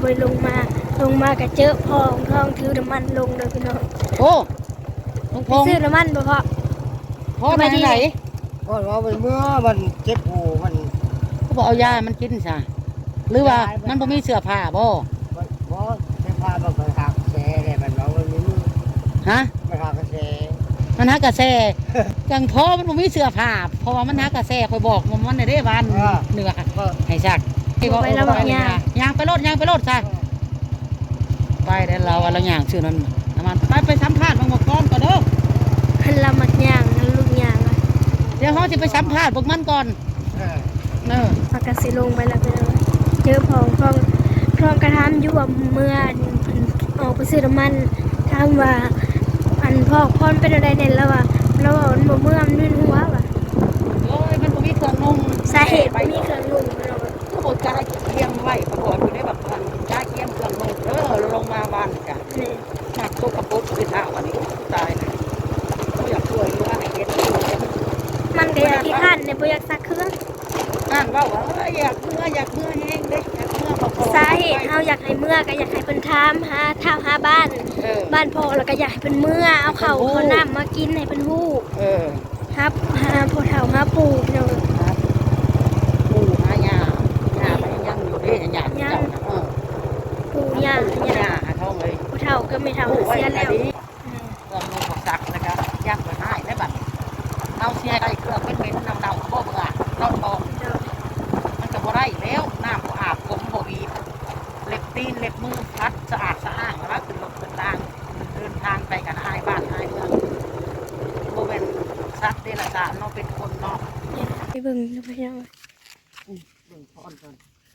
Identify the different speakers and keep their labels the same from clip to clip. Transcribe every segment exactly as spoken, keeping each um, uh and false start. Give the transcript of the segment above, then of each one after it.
Speaker 1: บ่ลงมาลงมาก็เจอพ่อของทองถือน้ำมันลงเลยพี่น้อง
Speaker 2: โอ้ลุงพงษ์
Speaker 1: ซื้อน้ำมันบ่พ่อ
Speaker 2: พ่อไปไหน
Speaker 3: พ่อว่าเมื่อมันเจ็บหูมัน
Speaker 2: เขาบอกเอายามันกินซะหรือว่ามันบ่มีเสื้อผ้าบ่
Speaker 3: บ่เสื้อผ้ามันไปหักแฉเลยมันบอกว่ามีมือ
Speaker 2: ฮะ
Speaker 3: ไปหักกระแฉ
Speaker 2: มันหักกระแสจังพ่อมันบ่มีเสื้อผ้าเพราะว่ามันหักกระแสคอยบอกมันในได้วันเหนือให้ซัก
Speaker 1: ไปแล้วบอกย่าง
Speaker 2: ย่างไปรถย่างไปรถซะไปเดี๋ยวเราเราย่างชื่อนั้นน้ำมันไปไปสัมภาษณ์บางก่อนก่อนเด้อ
Speaker 1: คันละมักย่างลูกย่าง
Speaker 2: เดี๋ยวเขาจะไปสัมภาษณ์พวกมันก่อนเออ
Speaker 1: ปากกาสิลงไปแล้วพี่น้องเจอพ่อของทองทองกระทำอยู่ว่าเมื่อออกไปซื้อน้ำมันถามว่าอันพ่อพ่อเป็นอะไรเนี่ยแล้วว่าแล้วว่ามันบ่เมื่อมันมึนหัวว่ะ
Speaker 2: โอ้ยมันบ่มีเครื่องนุ่ง
Speaker 1: สาเหตุบ่มีเครื่องนุ่งพี่น้อง
Speaker 2: ก็บ่จ่ายเคียงไว้ประกอบอยู่ในแบบพันจ่ายเคียงเครื่องนุ่งเออลงมาบ้านกันนี่หนักโตกระปุกไปท่าวันนี้ตายนะบ่อยากช่วยเหลือให้เฮ็ด
Speaker 1: มันก็อยากขี้ข้านเนี่ยบ่อยากซักเครื่อง
Speaker 2: อ่านว่าว่าอยากเมื่ออยากเมื่อแห้งเด้อยากเมื่อบ่พอ
Speaker 1: สาเหตุเฮาอยากให้เมื่อก็อยากให้เพิ่นถามหาท้าวหาบ้านบ้านพ่อแล้วก็อยากให้เพิ่นเมื่อเอาข้าวเอาน้ำมากินให้เพิ่นฮู้
Speaker 2: เออ
Speaker 1: ครับหาพ่อเฒ่าหาปู่พี่น้อง
Speaker 2: ปู่หาย่าย่าไปยังอยู่เด้ย่าเจ้าน่ะเออ
Speaker 1: ปู่ย่า
Speaker 2: ย่าหาท้องเลย
Speaker 1: ผู้เฒ่าก็ไม่เฒ่าเสียแล้ว
Speaker 2: เครื่องมือของซักแล้วก็ย่างไปให้ได้บัดเอาเสียได้เครื่องเป็นๆน้ำเน่าก็บ่เบื่อรอดบ่มันก็บ่ได้แล้วน้ำบ่อาบผมบ่มีเล็บตีนเล็บมือพัดสะอาดสะอ้างแล้วขึ้นรถขึ้นรางเดินทางไปกันอายบ้านอายเมืองบ่เป็นสัตว์เดรัจฉานเนาะเป็นคนเนาะ
Speaker 1: ไปเบิ่งไปยัง
Speaker 2: เบิ่งพรก่อน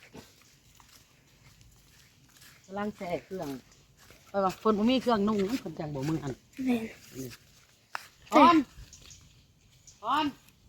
Speaker 2: กำลังแช่เครื่องเออคนบ่มีเครื่องนุ่งมันเพิ่นจังบ่มืออัน
Speaker 1: แม่น
Speaker 2: พรพร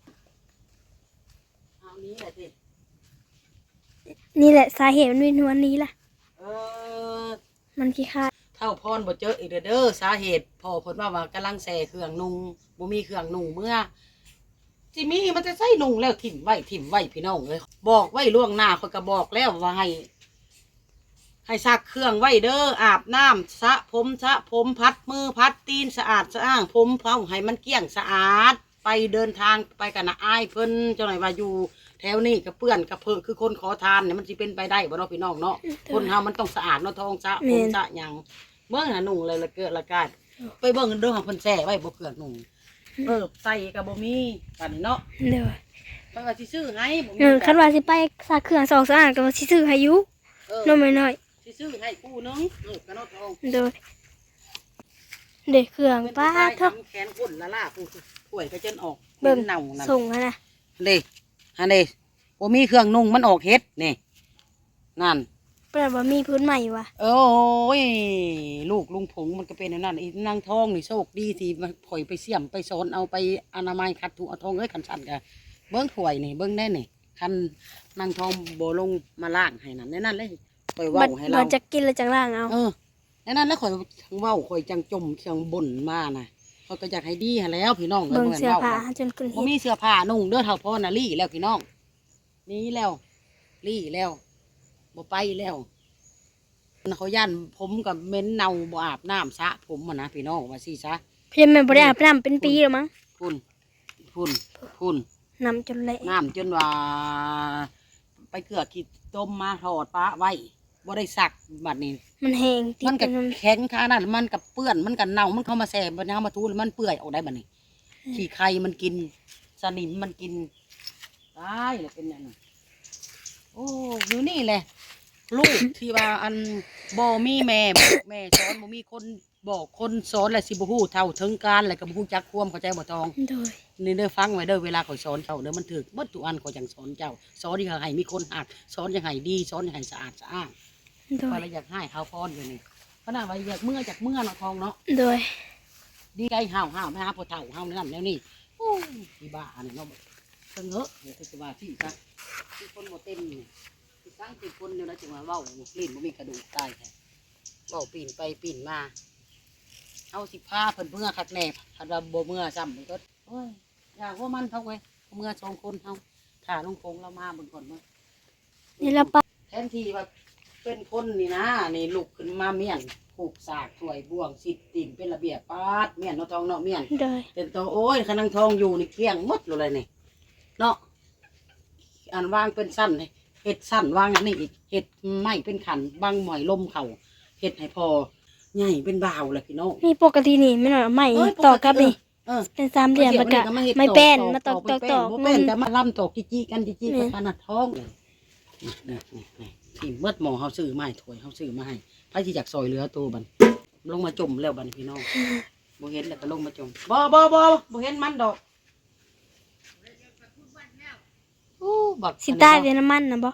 Speaker 2: เอานี้แหละสิ
Speaker 1: นี่แหละสาเหตุมันเป็นวันนี้ล่ะ
Speaker 2: เออ
Speaker 1: มันขี้ข้า
Speaker 2: เท่าพรบ่เจออีกเด้อสาเหตุพ่อเพิ่นว่าว่ากำลังแช่เครื่องนุ่งบ่มีเครื่องนุ่งเมื่อสิมีมันจะใส่นุ่งแล้วถิ่มไว้ถิ่มไว้พี่น้องเอ้ยบอกไว้ล่วงหน้าข้อยก็บอกแล้วว่าให้ให้ซักเครื่องไว้เด้ออาบน้ำสระผมสระผมพัดมือพัดตีนสะอาดสะอ้างผมเผาให้มันเกลี้ยงสะอาดไปเดินทางไปกันนะอายเพิ่นเจ้าหน่อยว่าอยู่แถวนี้กับเพื่อนกับเพื่อคือคนขอทานเนี่ยมันสิเป็นไปได้บ่เนาะพี่น้องเนาะคนเฮามันต้องสะอาดเนาะทองสะผมสะหยังเมื่อน่ะนุ่งเลยละเกิดละกาดไปเบิ่งเด้อของเพิ่นแซ่ไว้บ่เกลือนุ่งเออใส่ก็บ่มีกันเนาะ
Speaker 1: เด้อ
Speaker 2: เพิ่นว่าสิซื้อให้บ่มี
Speaker 1: เออคันว่าสิไปซักเครื่องสองสะอาดก็สิซื้อให้อยู่น้อยน้อย
Speaker 2: สิซื้อให้ผู้นึงเออกันเนาะทอง
Speaker 1: เด้อเด็กเครื่องป้าเถอะ
Speaker 2: แขนคนละล่าผู้ป่วยก็จนออก
Speaker 1: เบิ่งเน่านั่นส่งหั่นน่ะ
Speaker 2: เด้อันนี้บ่มีเครื่องนุ่งมันออกเฮ็ดนี่นั่น
Speaker 1: แปลว่ามีพื้นใหม่วะ
Speaker 2: โอ้ยลูกลุงผงมันก็เป็นนั่นอีนางทองนี่โชคดีที่มาถอยไปเสี่ยมไปสอนเอาไปอนามัยคัดถูเอาทองเอ้ยคันสั่นกันเบิ้งถวยนี่เบิ้งแน่นี่คันนางทองโบลงมาล่างให้นั่นแน่นั่นเลยคอยเว้าให้เรา
Speaker 1: จะกินแล้วจังล่างเอา
Speaker 2: เออแน่นั่นแล้วคอยเว้าคอยจังจมเชียงบ่นมาน่ะเขาก็อยากให้ดีแล้วพี่น้อง
Speaker 1: เบิ่งเสื้อผ้าจนขึ้น
Speaker 2: บ่มีเสื้อผ้านุ่งเด้อเท่าพ่อน่ะลี่แล้วพี่น้องนี้แล้วลี่แล้วบ่ไปแล้วเขาย่านผมกับเม้นเนาบ่อาบน้ำซะผมมันนะพี่น้องว่าสิซะ
Speaker 1: เพียงมันบ่ได้อาบน้ำเป็นปีแล้วมั้ง
Speaker 2: พุ่นพุ่นพุ่น
Speaker 1: น้ำจนเละ
Speaker 2: น้ำจนว่าไปเกลือขีดต้มมาถอดปลาไว้บ่ได้สักบัดนี้
Speaker 1: มันแห้ง
Speaker 2: มันกับแข็งขนาดมันกับเปื้อนมันกับเน่ามันเข้ามาแสบมันเข้ามาทูมันเปื่อยออกได้บัดนี้ขี้ไข่มันกินสนิมมันกินได้เลยเป็นอย่างนั้นโอ้อยู่นี่แหละลูกที่ว่าอันบ่มีแม่แม่สอนบ่มีคนบอกคนสอนแหละสิบ่ฮู้เท่าถึงการแหละก็บ่ฮู้จักความเข้าใจบ่ทองนี่เด้อฟังไว้เด้อเวลาเขาสอนเจ้าเด้อมันถูกเบิดทุกอันเขาจังสอนเจ้าสอนอย่างให้มีคนหักสอนอย่างให้ดีสอนอย่างให้สะอาดสะอ้างพอเราอยากให้เขาพรอยู่นี่ขนาดว่าอยากเมื่อจากเมื่อเนาะทองเนาะ
Speaker 1: โดย
Speaker 2: ดีใจห่าวห่าวไม่หาพอเท่าห่าวนั่นแล้วนี่โอ้ยบ้าอันนี้เนาะเพิ่งเหอะเดี๋ยวจะว่าที่ซะที่คนบ่เต็มนี่สร้างติดคนเดียวนะจึงว่าเว้าลิ้นมันมีกระดูกตายแท้เว้าปีนไปปีนมาเอาสิผ้าเพิ่นเมื่อคักแน่คันว่าบ่เมื่อซ้ำมันก็โอ้ยอยากว่ามันเท่าไว้เมื่อสองคนเฮาถ่าลุงพงเรามาเบิ่งก่อนมั้ง
Speaker 1: นี่ละปะ
Speaker 2: แทนที่ว่าเป็นคนนี่นะนี่ลุกขึ้นมาเมียนผูกสากถวยบ่วงสิดติ่มเป็นระเบียบปาดเมียนเนาะทองเนาะเมียน
Speaker 1: โดย
Speaker 2: เป็นตัวโอ้ยขนังทองอยู่นี่เกลี้ยงหมดเลยนี่เนาะอันวางเป็นสั้นนี่เห็ดสั้นวางอันนี้อีกเห็ดไม้เป็นขันบางหมอยลมเข่าเห็ดให้พอใหญ่เป็นบ่าวเลยพี่น้อง
Speaker 1: นี่ปกตินี่ไม่หน่อยไม่
Speaker 2: เอ้ย
Speaker 1: ต่อกับนี่
Speaker 2: เออ
Speaker 1: เป็นสามเหลี่ยม
Speaker 2: เสี
Speaker 1: แล้วก็
Speaker 2: นเฮ็ด
Speaker 1: ไม่แป้นมาต
Speaker 2: ต่
Speaker 1: อกตอกตอก
Speaker 2: บ่เป็นก็มาล่ำตอกจีจีกันจีจีกับขนาดท้องเลยนี่นี่นี่ที่เมื่อหมอเขาซื้อมาให้ถวยเขาซื้อมาให้พระที่จากซอยเหลือตัวบันลงมาจมแล้วบันพี่น้องบ่เห็นแล้วก็ลงมาจมบ่บ่บ่บ่เห็นมันดอกโอ้บัก
Speaker 1: สิใต้เดนน้ำมันนะบ่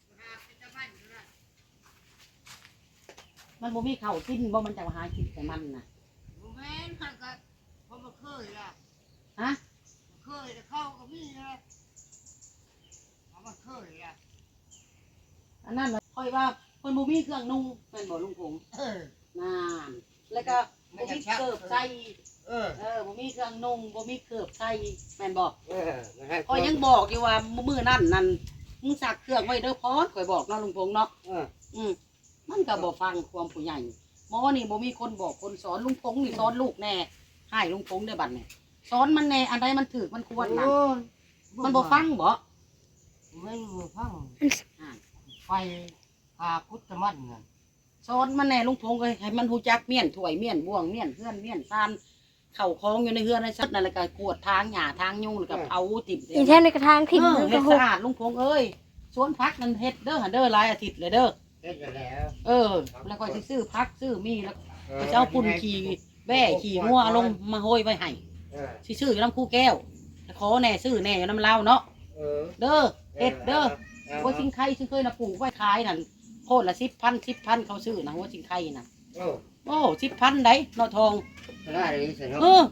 Speaker 2: มันบ่มีข้าวกินบ่มันจะมาหากินแต่มันน่ะ
Speaker 3: แม่นเขาก็เขามาเคยล่ะ
Speaker 2: ฮะ
Speaker 3: เคยแต่เข้าก็มีนะเขามาเคยล่ะ
Speaker 2: อันนั้นน่ะค่อยว่าเพิ่นบ่มีเครื่องนุ่งแม่นบ่ลุงพงษ์
Speaker 3: เออ
Speaker 2: นั่นแล้วก็บ่มีเกิบใส่
Speaker 3: เออ
Speaker 2: เออบ่มีเครื่องนุ่งบ่มีเกิบใส่แม่นบ่
Speaker 3: เออนะฮะ
Speaker 2: ข่อยยังบอกอยู่ว่ามื้อนั่นนั่นมึงซักเครื่องไว้เด้อพอดข่อยบอกเนาะลุงพงษ์เนาะ
Speaker 3: เออ
Speaker 2: อืมมันก็บ่ฟังความผู้ใหญ่หมอนี่บ่มีคนบอกคนสอนลุงพงษ์นี่สอนลูกแน่ให้ลุงพงษ์ได้บัดนี่สอนมันแน่อันใดมันถูกมันควรน่ะมันบ่ฟังบ่
Speaker 3: ไม่รู้ฟัง
Speaker 2: อ่า
Speaker 3: ไฟพาพุทธมันน่ะ
Speaker 2: สอนมันแน่ลุงพงษ์เอ้ยให้มันรู้จักเมียนถ้วยเมียนบ่วงเมียนเฮือนเมียนซานเข้าคลองอยู่ในเฮือนในซัดนั่นแล้วก็กวดทางหญ้าทางยุงแล้วก็เผาติ่ม
Speaker 1: อีแท่ในกระทางทิ่ม
Speaker 2: เออ
Speaker 1: มัน
Speaker 2: เฮ็
Speaker 1: ก็
Speaker 2: ด
Speaker 1: ห
Speaker 2: สะ
Speaker 1: ก
Speaker 2: อาดลุงพงษ์เอ้ยสวนพักนั่นเฮ็ดเด้อหั่นเด้อหลายอาทิตย์เลยเด้อ
Speaker 3: เฮ็ดแล้ว
Speaker 2: เออ แล้วก็สิซื้อพักซื้อมีแล้วก็จะเอาปุ่นขี่แบ่ขี่งัวลงมาโหยไว้ให้
Speaker 3: เออ
Speaker 2: สิซื้ออยู่น้ำคู่แก้วแล้วขอแน่ซื้อแน่อยู่น้ำเล่าวเนาะ
Speaker 3: เออ
Speaker 2: เด้อเฮ็ดเด้อหัวชิงไข่ซึ่งเคยน่ะปลูกไว้ขายนั่นโคตรละสิบพันสิบพันเขาซื้อนะหัวชิงไข่น่ะ
Speaker 3: โอ้
Speaker 2: โอ้สิบพันได้เนาะทอง
Speaker 3: ได้เลยสิเนาะ
Speaker 2: เออ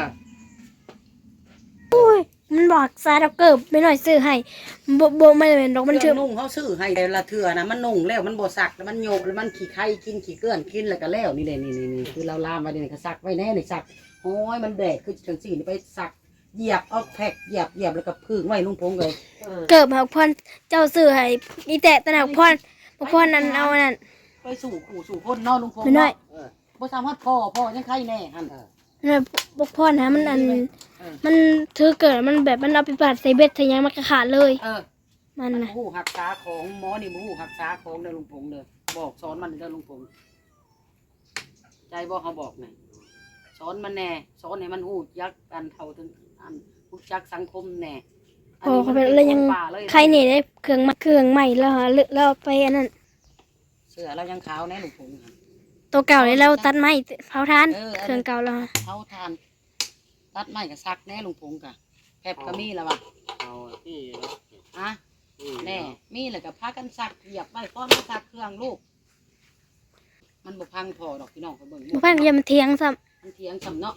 Speaker 1: มันบอกซาดอกเกิบไม่หน่อยซื้อให้บ่บ่ไม่เป็นดอกมัน
Speaker 2: เค
Speaker 1: ชื่
Speaker 2: รื่
Speaker 1: อ
Speaker 2: องนุ่งเขาซื้อให้แต่ละเถื่อนะมันนุ่งแล้วมันบ่ซักแล้วมันโยกแล้วมันขี้ไข่กินขี้เกลื่อนกินแล้วก็แล้วนี่แหละนี่นี่นี่คือเราลามไว้นี่ก็ซักไว้แน่นี่ซักโอ้ยมันแดดคือจังซี่นี่ไปซักเหยียบเอาแพ็กเหยียบเหยียบแล้วก็พึ่งไว้ลุงพงษ์เลยเออ
Speaker 1: เกิบหักพรเจ้าซื้อให้มีแต่ตะหักพรบ่พรนั้นเอานั่น
Speaker 2: ไปสู่ขู่สู่คนเนอลุงพงษ์
Speaker 1: ไม่น้อย
Speaker 2: เนาะเออบ่สามารถพ่อพ่อยังไข่แน่หั่น
Speaker 1: นั่นบ่พรนะมันอัน
Speaker 2: เออ
Speaker 1: มันถือเกิดมันแบบมันเอาไปปาดใส่เบ็ดใส่หยังมันก็ขาดเลย
Speaker 2: เออ
Speaker 1: มัน
Speaker 2: มัน
Speaker 1: นะ
Speaker 2: หูหักษาของหมอนี่บ่หูหักษาของเด้อลุงพงษ์เด้อบอกสอนมันเด้อลุงพงษ์ใจบ่เขาบอกไงสอนมันแน่สอนให้มันหูยักกันเท่าถึงอันรู้จักสังคมแน่
Speaker 1: พอเขาเป็นอะไรยัง
Speaker 2: คนป่าเลย
Speaker 1: ใครเนี่ยได้เครื่องมาเครื่องใหม่แล้วฮะแล้วเอาไปอันนั้น
Speaker 2: เสือเรายังขาวแน่ลุงพงษ์หั่น
Speaker 1: ตัวเก่าเลยเราตัดไม้เผาทาน
Speaker 2: เออ
Speaker 1: เครื่องเก่าแล้วฮะ
Speaker 2: เขาทานตัดไม้กับซักแน่ลุงพงษ์กะแพบก็มีแล้วว่ะ
Speaker 3: เอาที่เนาะ
Speaker 2: ฮะ
Speaker 3: ที่
Speaker 2: แน่ มีแล้วก็พากันซักเหยียบไว้พร้อมมาซักเครื่องลูก มันบ่พังพอดอกพี่น้องเขาเบิ่ง
Speaker 1: บ่พังอย่ามันเถียงซ้
Speaker 2: มันเถียงสำเนาะ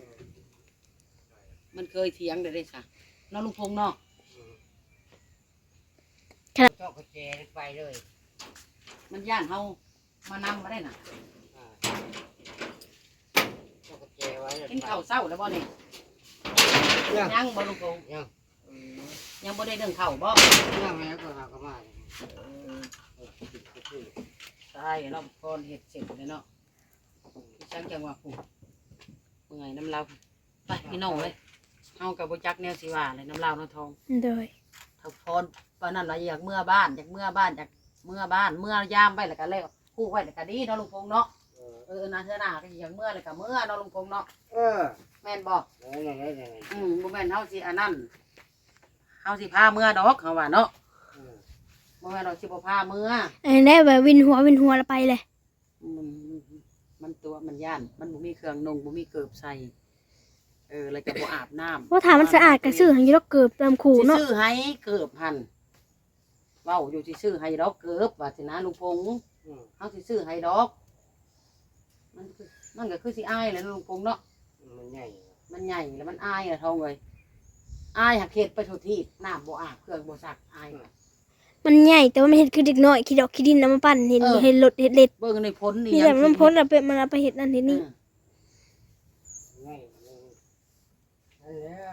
Speaker 2: มันเคยเถียงได้ได้ซะเนาะลุงพงษ์เนาะ
Speaker 3: เจ้ากระเจไปเลย
Speaker 2: มันย่านเฮามานำมาได้น่ะ
Speaker 3: อ่าเจ้ากระเจไว้เลย
Speaker 2: กินข้าวเช้าแล้วบ่นี่
Speaker 3: ยัง
Speaker 2: ยังบ่ลุงพงษ์
Speaker 3: ยัง
Speaker 2: เออยังบ่ได้เรื่องข้าวบ่
Speaker 3: ยังแล้วก็หากมา
Speaker 2: ใช่เราก่อนเฮ็ดเสร็จเลยเนาะจังจังว่าผู้เมื่อยน้ำเราไปพี่น้องเลยเฮากับบ่จักแนวสิว่าเลยน้ำเราเนาะทอง
Speaker 1: ำโดย
Speaker 2: ถ้าพรปานนั้นว่าอยากเมื่อบ้านอยากเมื่อบ้านอยากเมื่อบ้านเมื่อยามไว้แล้วก็แล้วคู่ไว้แล้วก็ดีเนาะลุงพงษ์เนาะเออนะเทื่อหน้าก็สิอยากเมื่อแล้วก็เมื่อเนาะลุงพงษ์เนาะ
Speaker 3: เออ
Speaker 2: แม่นบ่
Speaker 3: ไหนไหนไหนไหน
Speaker 2: อืมบ่แม่นเฮาสิอันนั้นเฮาสิพาเมื่อดอกเขาว่าเนาะบ่แม่นเราสิบ่พาเมื่อ
Speaker 1: อันนี้ได้แบบวินหัววินหัวแล้วไปเลย
Speaker 2: มันมันตัวมันย่านมันบ่มีเครื่องนุ่งบ่มีเกิบใส่เออแล้วก็บ่อาบน้ำ
Speaker 1: ว่าถามมันสะอาดก็ซื้อให้ยกเกิบตามขู่
Speaker 2: สิ
Speaker 1: เนาะ
Speaker 2: ซื้อให้เกิบหั่นเว้าอยู่สิซื้อให้ดอกเกิบว่าสินะลุงพงษ์เฮาสิซื้อให้ดอก มันคือมันก็คือสิอายแหละลุงพงษ์เนาะ
Speaker 3: มันใหญ่
Speaker 2: มันใหญ่แล้วมันอายอะเท่าเลยอายหักเฮ็ดไปทุกที่น้ำบ่อาบเครื่องบ่ซักอาย
Speaker 1: มันใหญ่แต่ว่ามันเห็ดคือเด็กน้อยขี้ดอกขี้ดินน้ำมันปั่นเห็น
Speaker 2: เออ
Speaker 1: เห็นรถเห็ดเล็ด
Speaker 2: เบิ่งในพ้นนี่
Speaker 1: นี่
Speaker 2: ยั
Speaker 1: แต่
Speaker 2: ง
Speaker 1: มันพ้นแล้วเป็นมันเอาไปเห็ดนั่นเห็ด
Speaker 2: เอ
Speaker 1: นี่
Speaker 2: อ
Speaker 3: ใหญ่นั่นแล้ว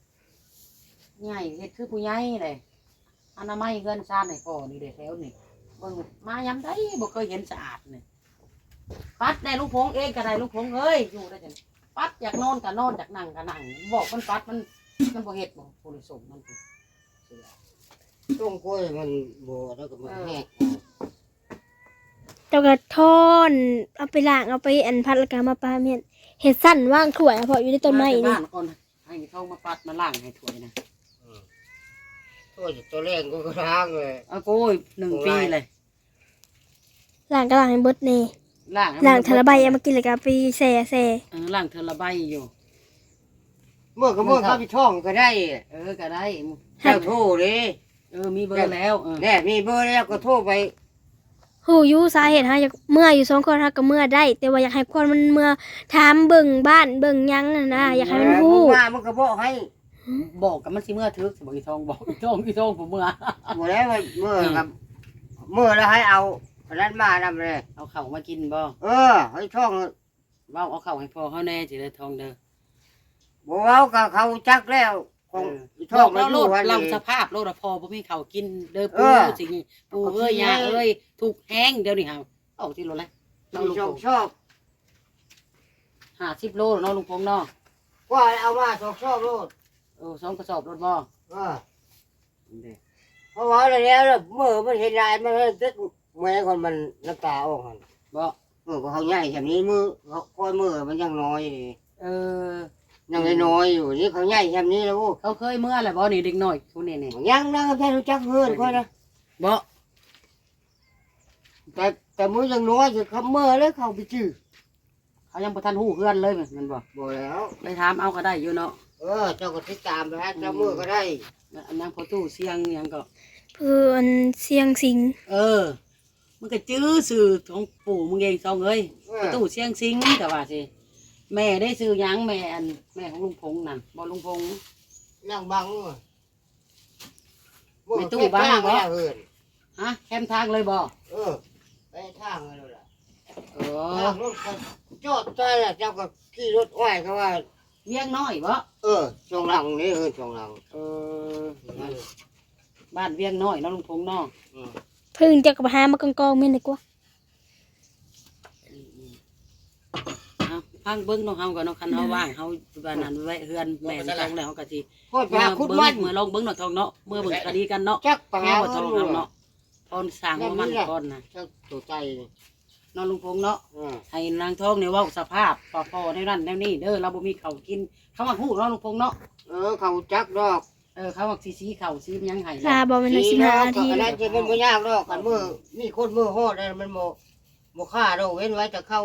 Speaker 2: ใหญ่เฮ็ดคือผู้ใหญ่เลยอนามัยเงินซ่านให้พ่อนี่เด้แถวนี่เบิ่งมายามใดบ่เคยเห็นสะอาดนี่ปัดได้ลุงพงเองก็ได้ลุงพงเอ้ยอยู่ได้จังปัดอยากนอนก็นอนอยากนั่งก็นั่งบอกมันปัดมันมันบ่เฮ็ดบ่ผู้ริสมมันเสือ
Speaker 3: ต้มกล้วยมันบ่แล้วก็มันแห้ง
Speaker 1: เจ้าก็ทอนเอาไปล้างเอาไปอันพัดแล้วก็มาปาเมียนเฮ็ดสั้นว่างถ้วยเพาะอยู่ในต้นไม้
Speaker 2: า
Speaker 1: นี่
Speaker 2: บ้านก่อนให้เขามาปัดมาล้างให้ถ้วยนะ
Speaker 3: ตัวตัวแรงก็กระทางเลย
Speaker 2: เอาโก้ยหนึ่งปีเลย
Speaker 1: ล้างก็ล้างให้เบิดแน่
Speaker 2: ล้าง
Speaker 1: ล้างเทอละใบเอามากินแล้วก็เอาไปแซ่แซ่
Speaker 2: เออล้างเทอละใบอยู่
Speaker 3: เมื่อก็เมื่อเข้าไปช่องก็ได้
Speaker 2: เออก็ได้
Speaker 3: เจ้าโทรเลย
Speaker 2: เออมีเบอร์แล้วเออ
Speaker 3: แน่มีเบอร์แล้วก็โทรไป
Speaker 1: ฮู้อยู่สาเหตุหาอยากเมื่ออยู่สองคนหาก็เมื่อได้ แต่ว่าอยากให้คนมันเมื่อถามเบิ่งบ้านเบิ่งหยังน่ะนะอยากให้มันฮู้
Speaker 3: ว่ามันก็บอกให้
Speaker 2: บอกกับมันสิเมื่อทึกสิบอกอีทองบอกอีทองอีทองผมเมื่อ
Speaker 3: หมดแล้วมันเมื่อกับเมื่อแล้วให้เอาอันนั้นมานำเลย
Speaker 2: เอาเข่าวมากินบ่
Speaker 3: เออให้ช่อง
Speaker 2: เว้าเอาเข่าวให้พ่อเขาแน่สิได้ทองเด้อ
Speaker 3: บอกเอากับเขาจักแล้วคง
Speaker 2: บ
Speaker 3: ช่อ
Speaker 2: อง ก
Speaker 3: มา
Speaker 2: เรา
Speaker 3: อ
Speaker 2: โล
Speaker 3: ยู่
Speaker 2: ด
Speaker 3: วัน
Speaker 2: เรา
Speaker 3: นี้
Speaker 2: สภาพโลดอะพอบ่มีข้าวกินเด้อ
Speaker 3: เอ
Speaker 2: ปู
Speaker 3: อ
Speaker 2: สิงี้ปูเอ้ยยาเอ้ยถูกแห้งเดี๋ยวนี้เฮาเอาที่โลเลยเรา
Speaker 3: มี
Speaker 2: ลุง
Speaker 3: ช่อง
Speaker 2: พง
Speaker 3: ชอบ
Speaker 2: ห้าสิบโลเนาะลุงพงเนาะ
Speaker 3: ว่าเอามาช่องชอบโลด
Speaker 2: เออสองกระสอบรถบ่
Speaker 3: เออเพราะว่าอะไรแล้วเมื่อมันเห็นลายมันตึ๊กแม่คนมันน้ำตาออกมัน
Speaker 2: บ่
Speaker 3: เออเขาใหญ่แบบนี้มือเขาคอยมือมันยังน้อย
Speaker 2: เออ
Speaker 3: ยังน้อยอยู่นี่เขาใหญ่แบบนี้แล้ว
Speaker 2: เขาเคยเมื่อแหละบ่นี่เด็กน้อยคนนี้นี่
Speaker 3: ยังนะแค่รู้จักเพื่อนค่อยนะ
Speaker 2: บ่
Speaker 3: แต่แต่มือยังน้อยอยู่เขาเมื่อแล้วเขาไปจื้อ
Speaker 2: เขายังบ่ทันฮู้เพื่อนเลยแมันบ่
Speaker 3: บอกแล้ว
Speaker 2: ไปถามเอาก็ได้อยู่เนาะ
Speaker 3: เออเจ้าก็ติดตามไปฮะเจ้ามือก็ได้
Speaker 2: อันนั้นพอตู้เสียงหยังก็
Speaker 1: เพื่อนเสียงสิง
Speaker 2: เออ มันก็จื้อสื่อของปู่มึงเองสองเอ้ย
Speaker 3: เอ
Speaker 2: พอ
Speaker 3: อ
Speaker 2: ตู้เสียงสิงแต่ว่าสิแม่ได้ซื้อหยังแม่อันแม่ของลุงพงษ์นั่นบ่ลุงพงษ์
Speaker 3: นั่งบัง
Speaker 2: ไม่ตู้บ้างบ่
Speaker 3: เพื่อน
Speaker 2: ฮะแคมทางเลยบ่
Speaker 3: เออไปทางเลยล่ะ
Speaker 2: เออ
Speaker 3: ทางรถก็จอดใจแล้วเจ้าก็ขี่รถอ้อยเขาว่า
Speaker 2: เวียงน้อยบ่
Speaker 3: เออช่วงหลังนี่เออช่วงหลัง
Speaker 2: เออบ้านเวียงน้อยเนาะลุงพงษ์เนาะ
Speaker 3: อืม
Speaker 1: เพิ่งจะกับหามากองกองๆแม่นดีกว่า
Speaker 2: เอาพังเบิ่งเนาะเฮาก็เนาะคันเฮาว่างเฮาบ้านนั้นไว้เฮือนแม่นทองแล้วเฮาก็สิ
Speaker 3: โคตรยาคุดมัน
Speaker 2: เมื่อลองเบิ่งเนาะทองเนาะเมื่อเบิ่งคดีกันเนาะ
Speaker 3: จักไป
Speaker 2: แม่
Speaker 3: หา
Speaker 2: บ่ทอง
Speaker 3: เงิน
Speaker 2: เฮาเนาะตอนสร้างหัวมันก่อนน่ะ
Speaker 3: เจ้าตัวใจนี่
Speaker 2: เนาะลุงพงษ์เนาะ
Speaker 3: อืม
Speaker 2: ให้นางทองเนี่ยเว่าสภาพพอพอในนั้นแนวนี้เด้อเราบ่มีข้าวกินเขามาฮู้เนาะลุงพงษ์เนาะ
Speaker 3: เออเขาจักดอก
Speaker 2: เออเขาว่าสีสีข้าวสีมันยังให้
Speaker 1: ลาบ่แม่นสิบห้านาที
Speaker 3: อันนั้นจะมันไม่ยากดอกกันมือมีคนมือฮอดเลยมันโมโมฆ่าดอกเว้นไว้แต่เข้า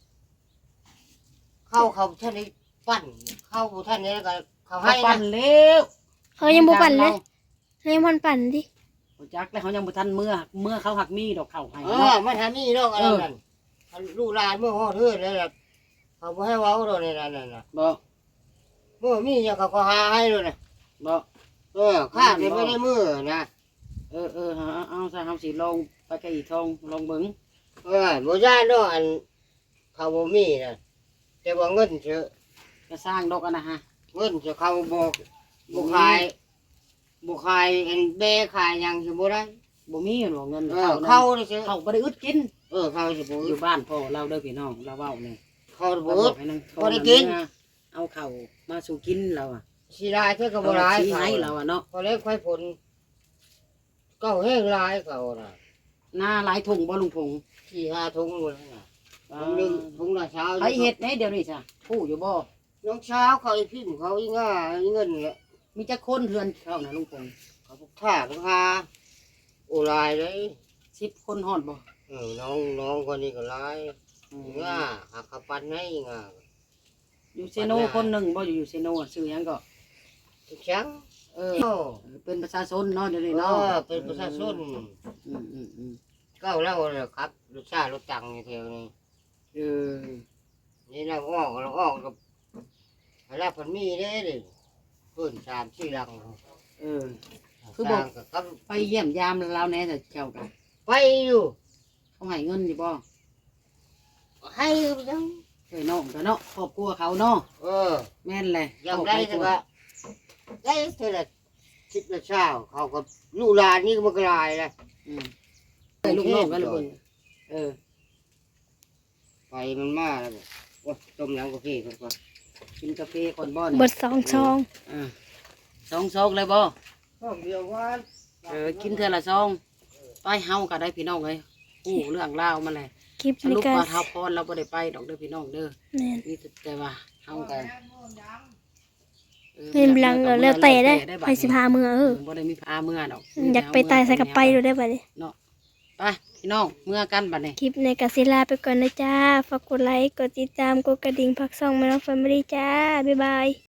Speaker 3: เข้าเขาท่านนี้ปั้น เข้าท่านนี้แล้วก็เขา
Speaker 2: เขา
Speaker 3: ให้
Speaker 2: ปั่น
Speaker 3: นะ
Speaker 2: เร็ว
Speaker 1: เขายังบ่ปั่นเลยเขายังบ่ปั่นดิ
Speaker 2: เขาจักแล้วเขายังบ่ทันเมื่อเมื่อเขาหักมีดอกข้าวให้
Speaker 3: เออ
Speaker 2: เนาะ
Speaker 3: มันทำนี่ดอกอะไรนั่นลูกหลานมือฮอดเฮือนเลยล่ะเขาบ่ให้เว้าดอกนี่นั่นน่ะ
Speaker 2: บ่
Speaker 3: มือมีอย่างเขาก็หาให้เลยนะ
Speaker 2: บ่
Speaker 3: เออข้าจะไม่ได้มือนะ
Speaker 2: เออเออเอาเอาซะเฮาสิลองไปกับอีทองลองเบิ่ง
Speaker 3: เออบ่ย่านดอกอันเขาบ่มีนะแต่ว่าเงินเถอะ
Speaker 2: ก็สร้างดอกอันนะฮะ
Speaker 3: เงินจะเขาบอกบุขายบุขายเอ็นเบขายหยังสิบ่ได้
Speaker 2: บ่มีหรอกเงิน
Speaker 3: เออ
Speaker 2: เขา
Speaker 3: เขา
Speaker 2: นั่น
Speaker 3: เลยสิ
Speaker 2: เขาบ่ได้อึดกิน
Speaker 3: เออเขาสิบ่
Speaker 2: อยู่บ้านพ่อเราเด้อพี่น้องเราเว้านี่
Speaker 3: เขา
Speaker 2: เรา
Speaker 3: บ่
Speaker 2: บอกให้นางทอง
Speaker 3: บ่ได้กิน
Speaker 2: เอาข้าวมาสู่กินเราอ่ะ
Speaker 3: สิได้เท่ากับบ่หลาย
Speaker 2: ชี้
Speaker 3: เขา
Speaker 2: ให้เราอ่ะเนาะ
Speaker 3: พอเล็กไฟผลก็แห้งหลายเขาน่ะ
Speaker 2: หน้าหลายถุงบ่ลุงพงษ์
Speaker 3: สี่ห้าถุงหมดน่ะถุงหนึงถุงละเช้า
Speaker 2: ไปเฮ็ดไหนเดี๋ยวนี้จ้ะผู้อยู่บ่
Speaker 3: น้องเช้าเขาอีพิมพ์เขาอีง่าอีเงินแหละ
Speaker 2: มีจักคนเทือนเขานะลุงพงษ์
Speaker 3: เขาพวกท่าพวกหาโอลายเลย
Speaker 2: สิบคนฮอดบ่
Speaker 3: เออน้องน้องคนนี้ก็หลาย
Speaker 2: อืม
Speaker 3: ง่าหักเขาปันให้ง่า
Speaker 2: อยู่เซโนคนหนึ่งบ่อยู่อยู่เซโนอะชื่อหยังก็
Speaker 3: ทุกครั้ง
Speaker 2: เออ
Speaker 3: โอ้
Speaker 2: เป็นประชาชนเนาะเดี๋ยวนี้
Speaker 3: เอ
Speaker 2: เนาะ
Speaker 3: อเป็นประชาชน
Speaker 2: อืมอืมอืม
Speaker 3: ก็แล้วเลยครับรถชาติรถตังอยู่แถวนี้
Speaker 2: เออ
Speaker 3: นี่เราออกเราออกกับแล้วพันมีได้เลยเพิ่นสามสี่หลัง
Speaker 2: เออ คือบอก
Speaker 3: สร้างกับ
Speaker 2: ไปเยี่ยมยามเราแหน่แต่เจ้ากัน
Speaker 3: ไปอยู่
Speaker 2: เขาให้เงินอยู่บ่
Speaker 3: ให้ยัง
Speaker 2: เอ้ยน้องก็เนาะครอบครัวเขาเนาะ
Speaker 3: เออ
Speaker 2: แม่นเลย
Speaker 3: ยังได้แต่ว่าได้เท่าไหร่คิดละเช้าเขากับลูกหลานนี่ก็มันกลายเลย
Speaker 2: อืม
Speaker 3: โอ้
Speaker 2: ลูกน้องกันละเบิ่งเออ
Speaker 3: ไฟมันมาแล้วบอกโอ้ต้มน้ำกาแฟก่อนก่อน
Speaker 2: กินกาแฟก่อนบ่
Speaker 1: บ
Speaker 2: เนี่ย
Speaker 1: ทสองซอง
Speaker 2: อ่าสองซองเลยบ่
Speaker 3: ต้มเดียววัน
Speaker 2: เออกินเทื่อละซองไปเฮาก็ได้พี่น้องเอ้ยฮู้เรื่องราวมาเลย
Speaker 1: คลิป
Speaker 2: ส
Speaker 1: นี้
Speaker 2: รุป
Speaker 1: ก็
Speaker 2: ว่าท้าวพรเราบ่ได้ไปดอกเด้อพี่น้องเด้อ
Speaker 1: แม่น
Speaker 2: มีแต่ว่าเฮากัน
Speaker 1: เงินบลังก็แล้วแต่ได้ไปสิพาเมือเออ
Speaker 2: บ่ได้มีพาเมื่อดอก
Speaker 1: อยากไปตายใส่กับไปดูได้บัดนี้
Speaker 2: เนาะไปพี่น้องเมื่อกันบัดนี้
Speaker 1: คลิปในกาซิลาไปก่อนนะจ้าฝากกดไลค์กดติดตามกดกระดิ่งพักซ่องแม่น้องแฟมิลี่จ้าบ๊ายบาย